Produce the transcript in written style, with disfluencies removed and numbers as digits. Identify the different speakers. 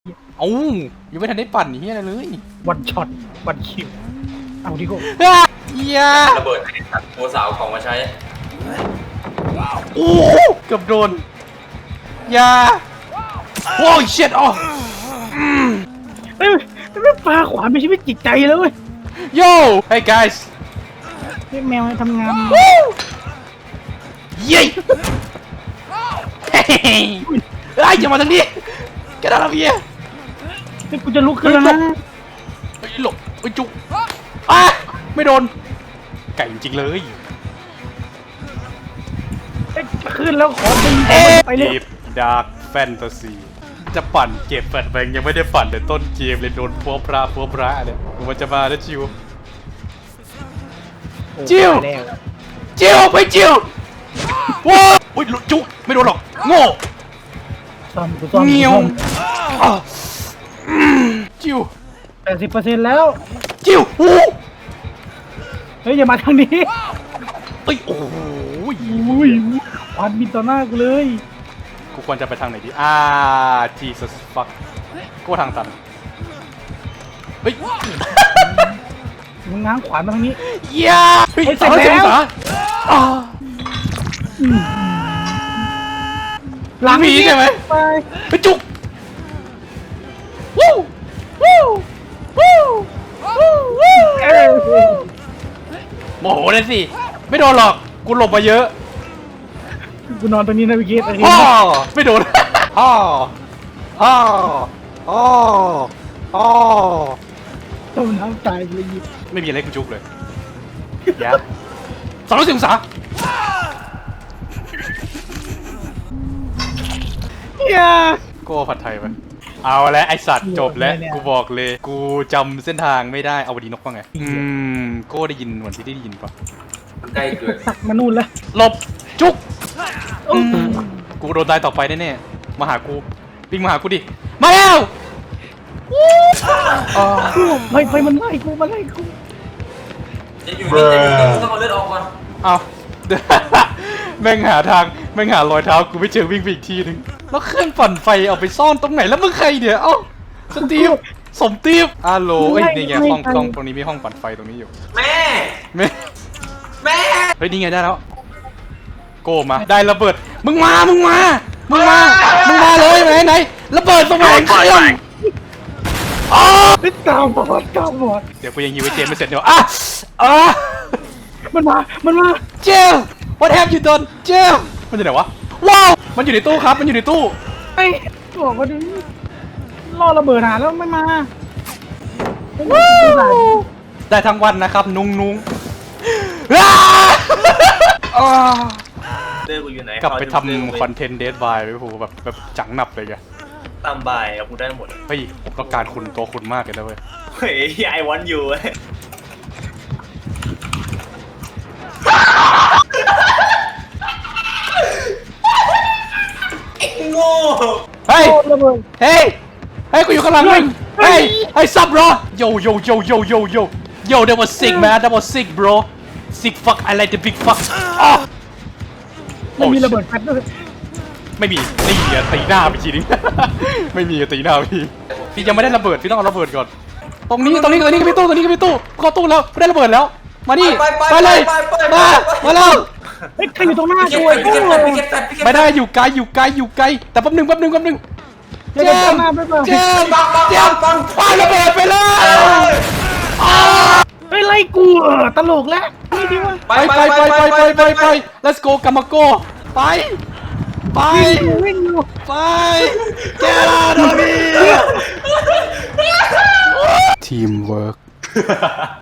Speaker 1: เอ้ายังไม่ทันได้ปั่นเฮียอะไรเลย
Speaker 2: วันช็อตวันคิวเอาดิโก้
Speaker 1: เฮีย
Speaker 3: ระเบิดตัดหัวสาวของมาใช้
Speaker 1: โอ้เกือบโดนยาโอ้ยเช็ดอ๋อ
Speaker 2: เอ้ยไม่ปลาขวานเป็นชีวิตจิตใจเลยเว้ย
Speaker 1: โย่ hey guys
Speaker 2: ให้แมวให้ทำงาน
Speaker 1: เย้เฮ้ยอย่ามาทางนี้แกได้แล้วพี่
Speaker 2: เฮ้ยกูจะลุกขึ้นแล้วนะ
Speaker 1: เฮ้ยหลบเฮ้ยจุกอ่ะไม่โดนไก่จริงๆเลย
Speaker 2: เฮ้ยขึ้นแล้วขอดึงไปเลย
Speaker 1: Deep Dark Fantasy จะปั่นเก็บแฟลชแบงยังไม่ได้ปั่นแต่ต้นเกมเลยโดนพัวพระเนี่ยมันจะมาแล้วจิว จิ้ว
Speaker 2: ไปแล้ว
Speaker 1: จิวไปจิวว้าวอุ้ยจุกไม่โดนหรอกโง่
Speaker 2: ซ่อมกูซ่อม
Speaker 1: เงี้ยวอ่ะจิว
Speaker 2: 80%แล้ว
Speaker 1: จิวโอ้
Speaker 2: เฮ้ยอย่ามาทางนี้
Speaker 1: เอ้ยโอ้ย
Speaker 2: อุ้ยขวานบินต่อหน้ากูเลย
Speaker 1: กูควรจะไปทางไหนดีJesus fuck กูทางตันเฮ้ย
Speaker 2: มึงง้างขวานมาทางนี้
Speaker 1: เย้เฮ้ย
Speaker 2: เฮ้ยเสร็จ
Speaker 1: 360
Speaker 2: แล้ว
Speaker 1: องศาอ่า หลังผีใช่ไหม
Speaker 2: ไป
Speaker 1: ไปจุกวู้วู้วู้วู้วู้
Speaker 2: เอ้ย
Speaker 1: โมโหเลยสิไม่โดนหรอกกูหลบมาเยอะ
Speaker 2: กูนอนตรงนี้นะพี่เกศ
Speaker 1: ฮ่อไม่โดนฮ่อฮ่อฮ่อฮ่อ
Speaker 2: ต้มน้ำตายเลยยิบ
Speaker 1: ไม่มีอะไรกูจุกเลยอย่า360 องศา
Speaker 2: อย่า
Speaker 1: โก้ผัดไทยไปเอาแล้วไอสัตว์จบแล้วกูบอกเลยกูจำเส้นทางไม่ได้เอาวดีนกว่าไงโก้ได้ยินเหมือนที่ได้ยินปะ
Speaker 3: ใกล้เกิน
Speaker 2: สักมานู่นแล้ว
Speaker 1: หลบจุกกูโดนตายต่อไปแน่ๆมาหากูวิ่งมาหากูดิมาแล้วอ๋อ
Speaker 2: ไฟมันไล่กูมาไล่กู
Speaker 3: จะอยู่นี่ต้องเอาเลือดออกก่อน
Speaker 1: เอา แม่งหาทางแม่งหารอยเท้ากูไม่เจอวิ่งไปอีกทีนึงแล้วเครื่องปั่นไฟเอาไปซ่อนตรงไหนแล้วมึงใครเดี๋ยวเอ้าสตีฟสมตีฟอาโหลเอ้ยนี่ไงห้องตรงนี้มีห้องปั่นไฟตรงนี้อยู่
Speaker 3: แม่
Speaker 1: แม่
Speaker 3: แม่
Speaker 1: เฮ้ยนี่ไงได้แล้วโกมาได้ระเบิดมึงมาเลยไหนระเบิดตรงไหนเครื่องอ๋อ
Speaker 2: ตามบอด
Speaker 1: เดี๋ยวกูยังยิงไว้เจมไม่เสร็จเดี๋ยวอ่ะ
Speaker 2: มันมา
Speaker 1: เจล what have you done เจลมันอยู่ไหนวะว้าวมันอยู่ในตู้ครับมันอยู่ในตู้
Speaker 2: ไอ้บอกว่าดิล่อระเบิดหาแล้วไม่มา
Speaker 1: ได้ทั้งวันนะครับนุง
Speaker 3: เลือดกูอยู่ไหน
Speaker 1: กลับไปทำคอนเทนต์เดทบายไปผูแบบจังหนับเลยแก
Speaker 3: ตามบ่ายเอากูได้หมด
Speaker 1: เฮ้ยผมต้องการคุณตัวคุณมากเลยนะเว้ย
Speaker 3: เฮ้ยไอวันอยู่โง่
Speaker 1: เฮ้ย
Speaker 2: ระเบิด
Speaker 1: เฮ้ยกูอยู่ข้างหลังมึงเฮ้ยซับ bro yo that was sick man that was sick bro sick fuck I like the big fuck
Speaker 2: มันมีระเบิดแฟลชด้วย
Speaker 1: ไม่มีตีตีหน้าไปทีนึง ไม่มีตีหน้าพี่ยังไม่ได้ระเบิดพี่ต้องเอาระเบิดก่อนตรงนี้ก็มีตู้เข้าตู้แล้วได้ระเบิดแล้วมานี่ไปเลยมาแล้ว
Speaker 2: เฮ้ยใครอยู่ตรงหน้า
Speaker 3: พี่
Speaker 2: กู
Speaker 3: เก็
Speaker 2: ไอ้
Speaker 3: ต
Speaker 2: กู
Speaker 3: พี่เก็ตแฟดพี่เก็ตแฟด
Speaker 1: ไม่ได้อยู่ไกลแต่แป๊บนึง
Speaker 2: เดี๋ยวตามมาไปก่อน
Speaker 1: เจมปาระเบิดไปเลย
Speaker 2: เฮ้ยไล่กูตลกแล้วนี่ดิวะ
Speaker 1: ไป let's go กามาโกไป
Speaker 2: วิ่งอยู่
Speaker 1: get out of here teamwork